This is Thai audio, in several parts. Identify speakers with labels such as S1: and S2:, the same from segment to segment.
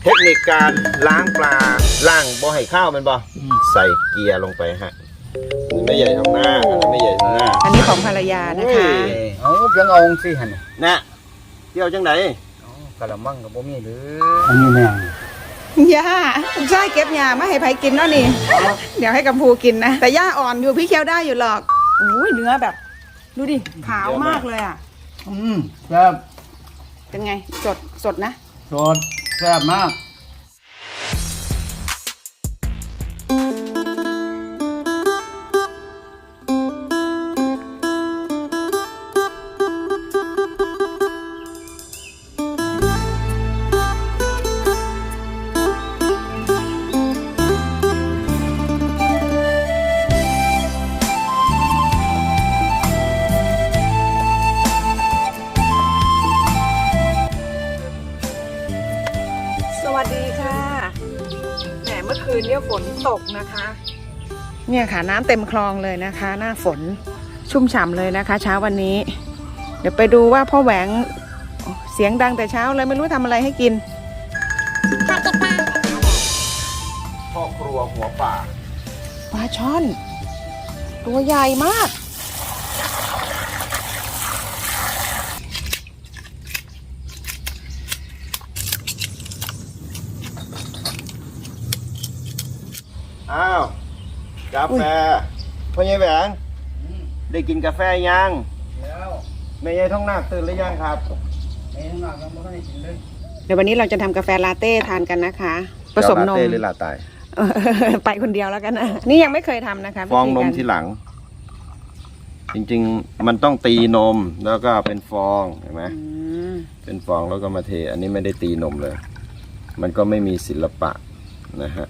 S1: เทคนิคการล้างปลาล้างบ่ให้ข้าวมันบ่ใส่เกียร์ลงไปฮะไม่ใหญ่ทางหน้าไม่ใหญ่ทางหน้า
S2: อันนี้ของภรรยานะคะ
S3: เอาเพียงเอาสิหัน
S1: นะเที่ยวจังไหน
S3: กะละมังกับบ่มีหรืออันนี้แม่
S2: ย่าใช่เก็บยามาให้ไผกินเนาะนี่เดี๋ยวให้กัมพูกินนะแต่ย่าอ่อนอยู่พี่เคี้ยวได้อยู่หรอกอุ้ยเนื้อแบบดูดิขาวมากเลยอ่ะ
S3: แซ่บ
S2: เป็นไงสดนะ
S3: สดแซ่บมาก
S2: สวัสดีค่ะแหมเมื่อคืนเนี่ยฝนตกนะคะเนี่ยค่ะน้ำเต็มคลองเลยนะคะหน้าฝนชุ่มฉ่ำเลยนะคะเช้าวันนี้เดี๋ยวไปดูว่าพ่อแหวงเสียงดังแต่เช้าเลยไม่รู้ทำอะไรให้กิน
S1: พ่อครัวหัวป่า
S2: ปลาช่อนตัวใหญ่มาก
S1: อ้าวกาแฟพ่อใหญ่แหวงได้กินกาแฟยัง
S3: แล้ว
S1: แม่ใหญ่ท้องนาคตื่นหรือยังครับ
S3: แม่ท้องนาคยังไม่ได้กินเลย
S2: เดี๋ยววันนี้เราจะทำกาแฟลาเต้ทานกันนะคะผสมนม
S1: หรือลาตาย
S2: ไปคนเดียวแล้วกันนะนี่ยังไม่เคยทำนะคะ
S1: ฟองนมทีหลังจริงๆมันต้องตีนมแล้วก็เป็นฟองเห็นไหมเป็นฟองแล้วก็มาเทอันนี้ไม่ได้ตีนมเลยมันก็ไม่มีศิลปะนะฮะ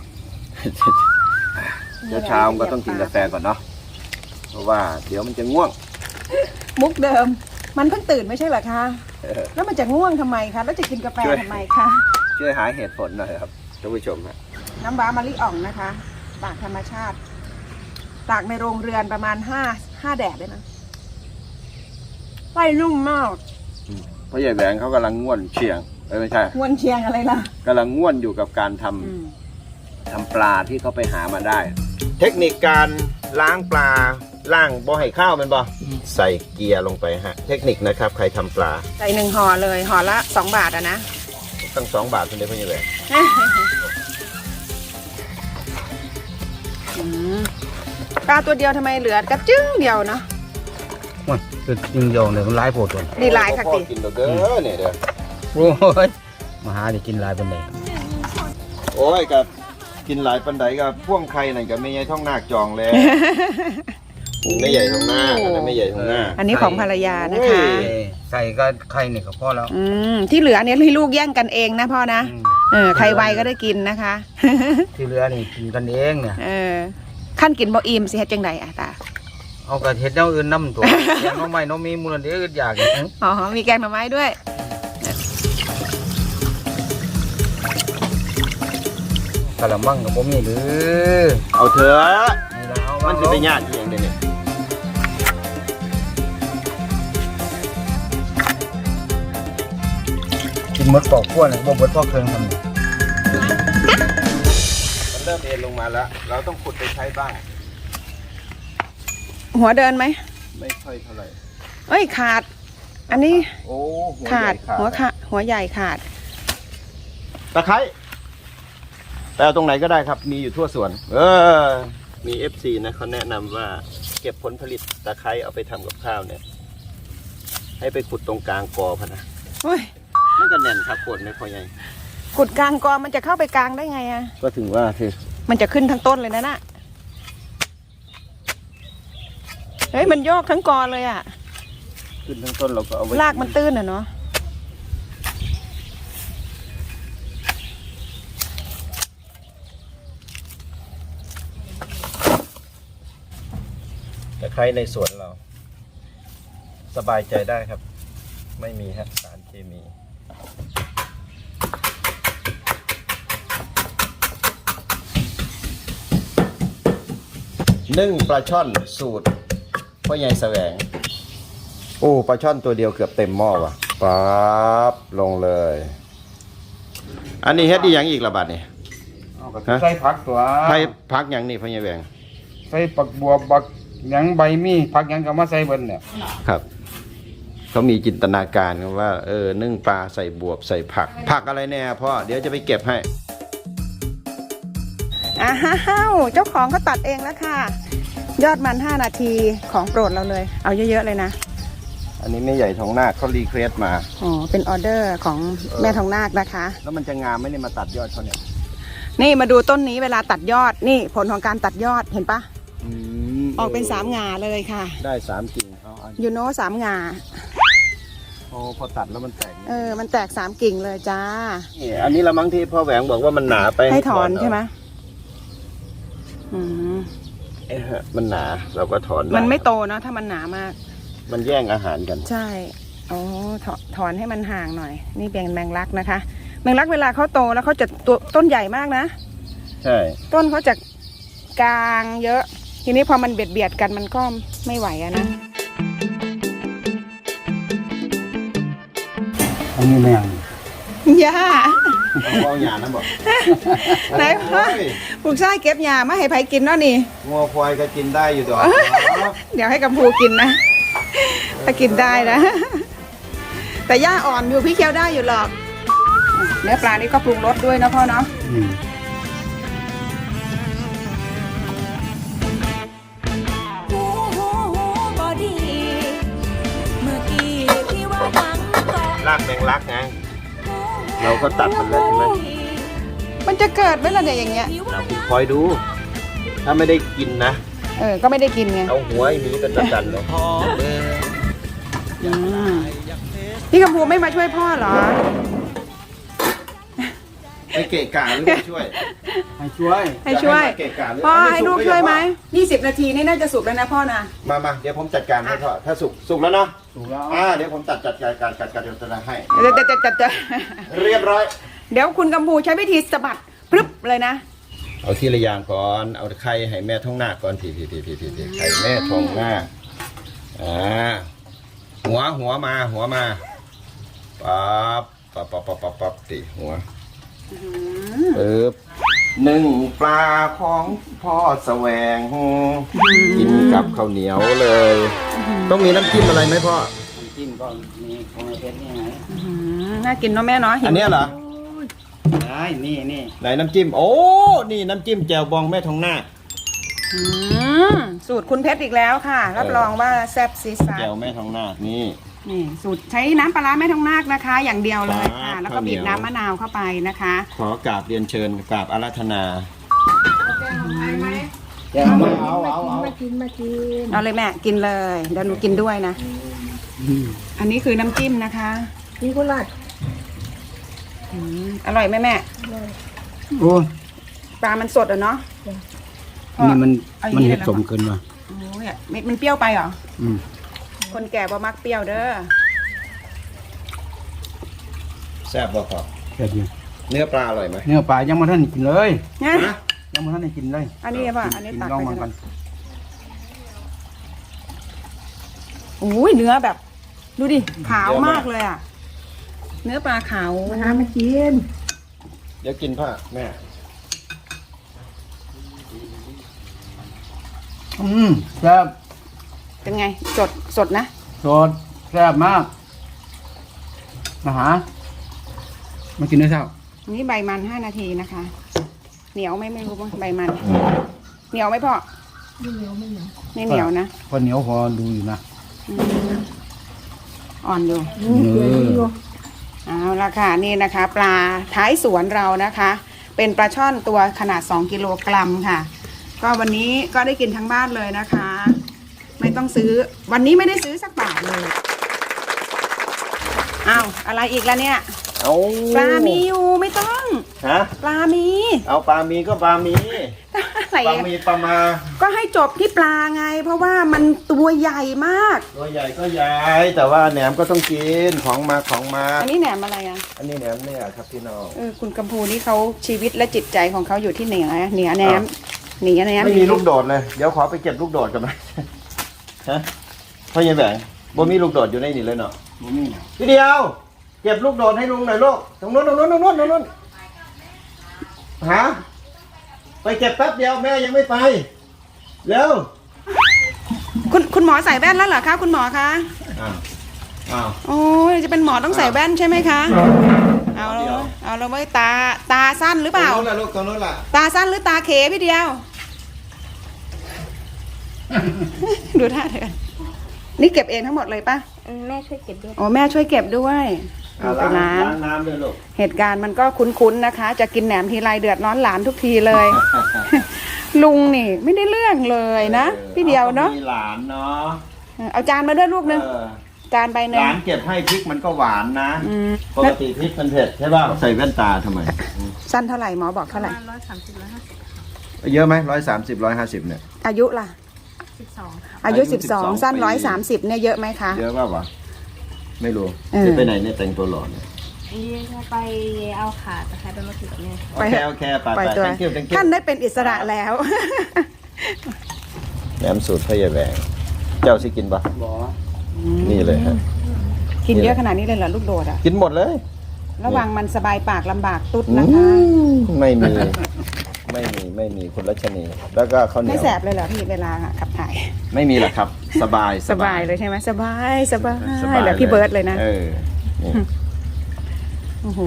S1: เช้าก็ต้องกินกาแฟก่อนเนาะเพราะว่าเดี๋ยวมันจะง่วง
S2: มุกเดิมมันเพิ่งตื่นไม่ใช่เหรอคะแล้วมันจะง่วงทำไมคะแล้วจะกินกาแฟทำไมคะ
S1: ช่วยหาเหตุผลหน่อยครับท่านผู้ชมฮะ
S2: น้ำว้ามะลิอ่องนะคะตากธรรมชาติตากในโรงเรือนประมาณ5 แดดได้นะไส้นุ่มมาก
S1: พ่อใหญ่แหวงเขากำลังง่วนเชียงไม่ใช่
S2: ง่วนเชียงอะไรล่ะ
S1: กำลังง่วนอยู่กับการทำปลาที่เขาไปหามาได้เทคนิคการล้างปลาล้างบ่ให้ข้าวมันบ่ใส่เกียร์ลงไปฮะเทคนิคนะครับใครทำปลา
S2: ใส่1 ห่อเลยห่อละ2 บาทอะนะ
S1: ตั้ง2 บาทคุณได้พ่อใหญ่แหวง
S2: ปลาตัวเดียวทำไมเหลือกระจึ้งเดียวเนาะ
S3: มันคือจริงเดียวเนี่ยมันหลายโพดตัว
S2: นี่หลายค่ะติ
S1: กินเด้อเนี่ยเด้อ
S3: โอ้ยมาหาได้กินหลายปานใด
S1: โอ้ยกับกินหลายปันไดกับพ่วงไข่นั่นกับไม่ใหญ่ท้องนาคจองแล้วไม่ใหญ่ท้องนาคไม่ใหญ่ท้องนาค
S2: อันนี้ของภรรยานะคะ
S3: ใส่ก็ไข่นี่ก็พอแล้ว
S2: ที่เหลือเนี่ยให้ลูกแย่งกันเองนะพ่อนะใครไวก็ได้กินนะคะ
S3: ที่เหลือนี่กินกันเองเนี่ย
S2: ขั้นกินบ่อิ่มสิเฮ็ดจังไดอะตา
S3: เอากระเทียมอย่างอื่นน้ำตัวแกงน้องไม้น้องมีมูลนิธิอยาก
S2: อ๋อมีแกงหน่อไม้ด้วย
S3: กะละมังกับบ่มีหรือ
S1: เอาเถอะมันจะไปยากอย่างเดียวนี่
S3: กินมดปอกขั้วเนี่ยบ่เบิดพอเครื่องทำ
S1: มันเริ่มเอ็นลงมาแล้วเราต้องขุดไปใช้บ้าง
S2: หัวเดินไหม
S1: ไม่ค่อยเท่าไหร่
S2: เอ้ยขาดอันนี้
S1: โอ้
S2: ขาดหัวใหญ่ขาด
S1: ตะไคร้แต่เอาตรงไหนก็ได้ครับมีอยู่ทั่วสวนมี FC นะเขาแนะนำว่าเก็บผลผลิตตะไคร้เอาไปทำกับข้าวเนี่ยให้ไปขุดตรงกลางกอพะนะมันก็แน่นครับขุดไม่พอใหญ่
S2: ขุดกลางกอมันจะเข้าไปกลางได้ไงอะ
S1: ก็ถึงว่าคือ
S2: มันจะขึ้นทั้งต้นเลยนะน่ะเฮ้ยมันโยกทั้งกอเลยอะ
S1: ขึ้นทั้งต้นเราก็เอาไว้
S2: รากมันตื้นอะเนาะ
S1: ตะไคร้ในสวนเราสบายใจได้ครับไม่มีสารเคมีนึ่งปลาช่อนสูตรพ่อใหญ่แสวงโอ้ปลาช่อนตัวเดียวเกือบเต็มหม้อว่ะปั๊บลงเลยอันนี้เฮ็ดอีหยังอีกละบาดนี่
S3: เอาก็ใส่ผักตัว
S1: ไผพักหยังนี่พ่อใหญ่แหวง
S3: ใส่ปักบัวบักหยังใบมีผักหยังก็มาใส่เบิ่นเนี่ย
S1: ครับเขามีจินตนาการกันว่านึ่งปลาใส่บวบใส่ผักอะไรแน่พ่อเดี๋ยวจะไปเก็บให้
S2: อ้าวเจ้าของเขาตัดเองแล้วค่ะ ยอดมัน5 นาทีของโปรดเราเลย เอาเยอะๆเลยนะ
S1: อันนี้แม่ใหญ่ทองนาคเขารีเควสมา
S2: อ๋อเป็นออเดอร์ของแม่ทองนาคนะคะ
S1: แล้วมันจะงามไหมเนี่ยมาตัดยอดเขาเนี่ย
S2: นี่มาดูต้นนี้เวลาตัดยอดนี่ผลของการตัดยอดเห็นปะออกเป็น3 หง่าเลยค่ะ
S1: ได้3กิ่งเอา
S2: ยูโน่3 หง่า
S1: โอ้พอตัดแล้วมันแตก
S2: มันแตก3 กิ่งเลยจ้า
S1: นี่อันนี้ละมั้งที่พ่อแหวงบอกว่ามันหนาไป
S2: ให้ถอนใช่ไหมอืม
S1: มันหนาเราก็ถอนด้
S2: มันไม่โตเนอะถ้ามันหนามาก
S1: มันแย่งอาหารกัน
S2: ใช่อ๋อถอนให้มันห่างหน่อย นี่เป็นแมงลักนะคะ แมงลักเวลาเขาโตแล้วเขาจะตัวต้นใหญ่มากนะ
S1: ใช่
S2: ต้นเขาจะกลางเยอะ ทีนี้พอมันเบียดกันมันก็ไม่ไหวอะนะ
S3: อันนี้แม่ง
S2: ย่า
S1: เอาหยานะบอก
S2: ไหนพ่อปลูกไส้เก็บหญ้ามาให้ไผกินเนาะนี่
S1: งัวควายก็กินได้อยู่ดอก
S2: เดี๋ยวให้กัมพูกินนะ ถ้ากินได้นะ แต่หญ้าอ่อนอยู่พี่เคี้ยวได้อยู่หรอก เนื้อปลานี่ก็ปรุงรสด้วยนะพ่อเนาะ
S1: รากแมงลักไงเราก็ตัดมันแล้วใช่ไหม
S2: มันจะเกิดไหมล่ะเนี่ยอย่างเงี้ย
S1: เราคุณคอยดู ถ้าไม่ได้กินนะ
S2: ก็ไม่ได้กินไง
S1: เอาหัวไอ้หมีเป็นประจันเลย
S2: อืมพี่กัมพูไม่มาช่วยพ่อเหรอ
S1: ไปเกะกะหรือไม่ช่วย
S3: ให้ช่วย
S2: ให้ช่วย
S1: จะมาเกะกะหรือ
S2: พ่อ
S1: ไม่
S2: ให้ลูกช่วยไหม20 นาทีนี่น่าจะสุกแล้วนะพ่อนะ
S1: มาเดี๋ยวผมจัดการให้พ่อถ้าสุกแล้วเนาะ
S3: ถูกแล้ว
S1: เดี๋ยวผมจัดการเดี๋ยวจะให้
S2: เดี๋ยว
S1: เรียบร้อย
S2: เดี๋ยวคุณกัมพูใช้วิธีสะบัดพรึบเลยนะ
S1: เอาทีละอย่างก่อนเอาไข่ให้แม่ท้องนาคก่อนทีไข่แม่ท้องนาคหัวมาปั๊บติหัวปึ๊บหนึ่งปลาของพ่อแสวงกินกับข้าวเหนียวเลย ต้องมีน้ำจิ้มอะไรไหมพ่อ
S3: น้ำจิ้มก็มีของไอ้เพชรนี่ไง
S2: น่ากินเนาะแม่เนาะ
S1: อันเนี้ยเหรอ
S3: ได้นี่
S1: ไหนน้ำจิ้มโอ้นี่น้ำจิ้มแจ่วบองแม่ทองนาค
S2: สูตรคุณเพชรอีกแล้วค่ะ รับรองว่าแซ่บซีซ่า
S1: แจ่วแม่ทองนาคนี่
S2: นี่สูตรใช้น้ำปลาร้าแม่ทองนาคนะคะ อย่างเดียวเลยค่ะ
S1: ครับ
S2: แล้วก็บีบน้ำมะนาวเข้าไปนะคะ
S1: ขอกราบเรียนเชิญกราบอาราธนา
S3: แกงมาเอา
S2: เอาเลยแม่กินเลยเดี๋ยวหนูกินด้วยนะ อันนี้คือน้ำจิ้มนะคะ
S4: นี่ก็ราด
S2: อร่อยไหมแม่
S3: โอ้ย
S2: ปลามันสดอ่ะเนาะ
S3: นี่มัน
S2: เอาอย่างนี้
S3: มันเห็ด
S2: เลยเหรอ
S3: สมเกินว่ะ
S2: โอ้ยมันเปรี้ยวไปเหรอ
S3: อืม
S2: คนแก่บ่มักเปรี้ยวเด้อ
S1: แซ่บบ่พอ
S3: แค่นี้
S1: เนื้อปลาอร่อยไหม
S3: เนื้อปลายังมาท่านได้กินเลย
S2: นะ
S3: ยังมาท่านได้กินเลย
S2: อันนี้ป่ะอันนี้
S3: กิน
S2: ตัก
S3: ลอง
S2: ไป
S3: มัน
S2: กั
S3: กัน น
S2: โอ้ยเนื้อแบบ ดูดิขาวมากเลยอ่ะ เนื้อปลาขาว
S4: มาหามากิน
S1: เดี๋ยวกินผ้าแม่
S3: แซ่บ
S2: เป็นไงสดนะ
S3: สดแซ่บมากมาหามากินด้วยเช้า
S2: อันนี้ใบมัน5 นาทีนะคะ เหนียวไหมไม่รู้ว่าใบมัน เหนียวไหมพ่อ
S4: ไม่เหนียวไม่เหนียว
S2: ไม่เหนียวนะ
S3: พอเหนียวพอดูอยู่นะ
S2: อืมอ่อนอยู่
S4: เกลือนี่อยู่
S2: เอาละค่ะนี่นะคะ ปลาท้ายสวนเรานะคะ เป็นปลาช่อนตัวขนาด2 กิโลกรัมค่ะ ก็วันนี้ก็ได้กินทั้งบ้านเลยนะคะ ไม่ต้องซื้อวันนี้ไม่ได้ซื้อสักบาทเลยอ้าวอะไรอีกแล้วเนี่ย
S1: เอา
S2: ปลามีอยู่ไม่ต้อง
S1: ฮะ
S2: ปลามี
S1: เอาปลามีก็ปลามี
S2: อะไร
S1: ปลา
S2: อะ
S1: มีปลามา
S2: ก็ให้จบที่ปลาไง เพราะว่ามันตัวใหญ่มาก
S1: ตัวใหญ่ก็ใหญ่แต่ว่าแหนมก็ต้องกินของมา
S2: อันนี้แหนมอะไรอ่ะ
S1: อันนี้แหนมเนี่ยครับพี่น้อง
S2: คุณกัมพูนี่เขาชีวิตและจิตใจของเขาอยู่ที่เหนือแหนมเหนือแหนม
S1: ไม่มีลูกโดดเลยเดี๋ยวขอไปเก็บลูกโดดกันไหม ฮะพ่อใหญ่แหวงบ่มีลูกโดดอยู่ในนี่เลยเนาะ
S3: บ่มี
S1: ทีเดียวเก็บลูกโดดให้ลุงหน่อยลูกตรงนู้นฮะไปเก็บแป๊บเดียวแม่ยังไม่ไปเร็ว
S2: คุณหมอใส่แว่นแล้วเหรอคะคุณหมอคะ
S1: อ้าว
S2: โอ้ยจะเป็นหมอต้องใส่แว่นใช่ไหมคะเอาเราไม่ตาสั้นหรือเปล่า
S1: ตรงนู้นล่ะลูกตรงนู้นล่ะ
S2: ตาสั้นหรือตาเขพี่เดียว ดูท่าเธอนี่เก็บเองทั้งหมดเลยปะ
S4: แม่ช่วยเก็บด้วย
S2: โอ้แม่ช่วยเก็บด้วย
S1: ล้าง
S2: ล้าง
S1: น้ำด้วยลูก
S2: เหตุการณ์มันก็คุ้นๆนะคะ จะกินแหนมทีไรเดือดร้อนหลานทุกทีเลย ลุงนี่ไม่ได้เรื่องเลยนะพี่เดียวเนาะ
S1: มีหลานเนาะ
S2: เอาจานมาด้วยลูกนึง
S1: เออ
S2: จานใบหนึ่
S1: ห
S2: ง
S1: ลานเก็บให้พริกมันก็หวานนะ
S2: อืม
S1: ปกติพริกมันเผ็ดใช่ป่ะใส่แว่นตาทำไม
S2: สั้นเท่าไหร่หมอบอกเท่าไหร่
S1: เยอะไหม130 150เนี่ย
S2: อายุล่ะ
S4: 12
S2: อายุ
S1: อายุ12
S2: 12 สั้น130เนี่ยเยอะไหมคะ
S1: เยอะป่ะวะไม่รู้
S2: เออ
S1: จะไปไหนเนี่ยแต่งตัวหล่อเนี่ย
S4: นี่จะไปเอาขาตะไคร้ไปมาถือกับแม่
S1: โอเคโอเคไป
S2: ปล่อยตัว
S1: thank you thank you
S2: ท่านได้เป็นอิสระแล้ว
S1: แหนมสูตรพ่อใหญ่แหวงเจ้าสิกินปะ
S3: บ่
S1: นี่เลยฮะ
S2: กินเยอะขนาดนี้เลยเหรอลูกโดดอ่ะ
S1: กินหมดเลย
S2: ระวังมันสบายปากลำบากตุ๊ดนะคะ
S1: ไม่มีคุณรัชนี แล้วก็ข้าวเหนี
S2: ไม่
S1: ยว
S2: แสบเลยเหรอพี่เวลาขับถ่าย
S1: ไม่มีหรอกครับ สบาย
S2: สบายเลยใช่ไหมสบายสบาย
S1: สบาย
S2: แบบพี่เบิร์ดเลยนะ
S1: เออนี่
S2: โอ้โห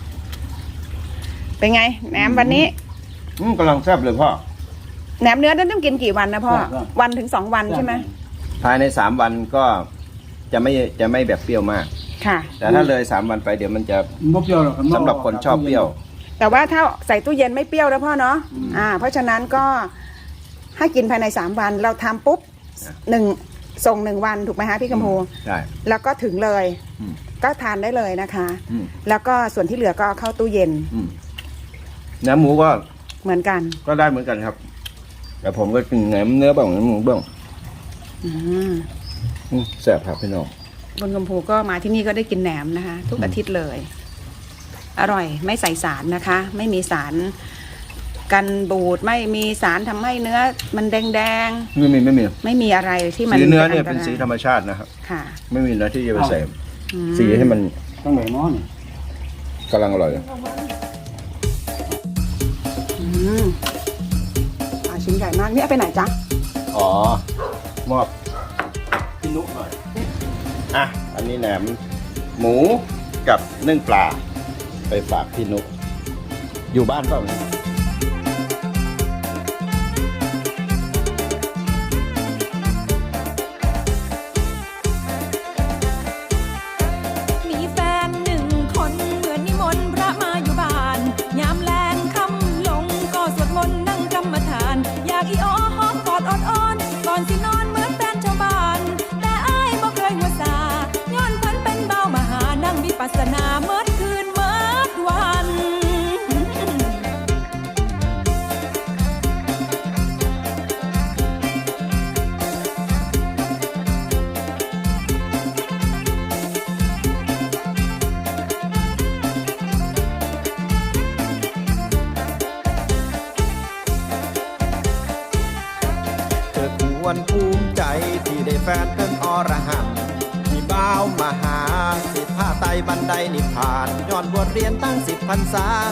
S2: เป็นไงแหนมวันนี้
S1: กำลังแซ่บเลยพ่อ
S2: แหนมเนื้อต้องกินกี่วันนะพ่อวันถึง2 วันใช่ไหม
S1: ภายใน3 วันก็จะไม่แบบเปรี้ยวมาก
S2: ค่ะ
S1: แต่ถ้าเลย3 วันไปเดี๋ยวมันจะ
S3: บ่เปรี้ยวหรอก
S1: สำหรับคนชอบเปรี้ยว
S2: แต่ว่าถ้าใส่ตู้เย็นไม่เปรี้ยวแล้วพ่อเนาะเพราะฉะนั้นก็ให้กินภายใน3 วันเราทำปุ๊บส่ง1 วันถูกไหมฮะพี่กำพู
S1: ใช่
S2: แล้วก็ถึงเลย
S1: อืม
S2: ก็ทานได้เลยนะคะ
S1: อืม
S2: แล้วก็ส่วนที่เหลือก็เอาเข้าตู้เย็น
S1: เนื้อหมูก็
S2: เหมือนกัน
S1: ได้เหมือนกันครับ แต่ผมก็กินแหนมเนื้อบ้างแหนมหมูบ้าง
S2: อืม
S1: แซ่บครับพี่น้อง
S2: บนกำพูก็มาที่นี่ก็ได้กินแหนมนะคะ ทุกอาทิตย์เลย อร่อยไม่ใส่สารนะคะ ไม่มีสารกันบูดไม่มีสารทำให้เนื้อมันแดง
S1: ไม่มี
S2: ๆไม่มีอะไรที่มัน
S1: สีเนื้อเนี่ย
S2: ต
S1: เป็น
S2: ราย
S1: สีธรรมชาตินะครับ
S2: ค่ะ
S1: ไม่มีนะที่จะไปใส่
S2: อืม
S1: สีให้มัน
S3: ต้องไหนหม้อนี่
S1: กำลังอร่อย
S2: อืมชิ้นใหญ่มากนี่เอาไปไหนจ๊ะ
S1: อ๋อ มอบพี่นุหน่อย อ่ะ อันนี้แหนมหมูกับนึ่งปลา ไปฝากพี่นุอยู่บ้านเปล่าเนี่ย
S5: มีแฟน1 คนเหมือนนิมนต์พระมาอยู่บ้านยามแลงค่ำลงก็สวดมนต์นั่งกรรมฐาน อยากอีอ้อหอมกอดออดอ้อนก่อนสินอนเหมือนแฟนชาวบ้าน แต่อ้ายบ่เคยหัวซาย้อนเพิ่นเป็นเบามหานั่งวิปัสสนาเมื่อคืนเมื่อวัน
S1: เธอควรภูมิใจที่ได้แฟนเป็นอรหันต์ที่บ้าวมาหาสิทธาไตรบันไดนิพพานย้อนบทเรียนตั้ง10 พรรษา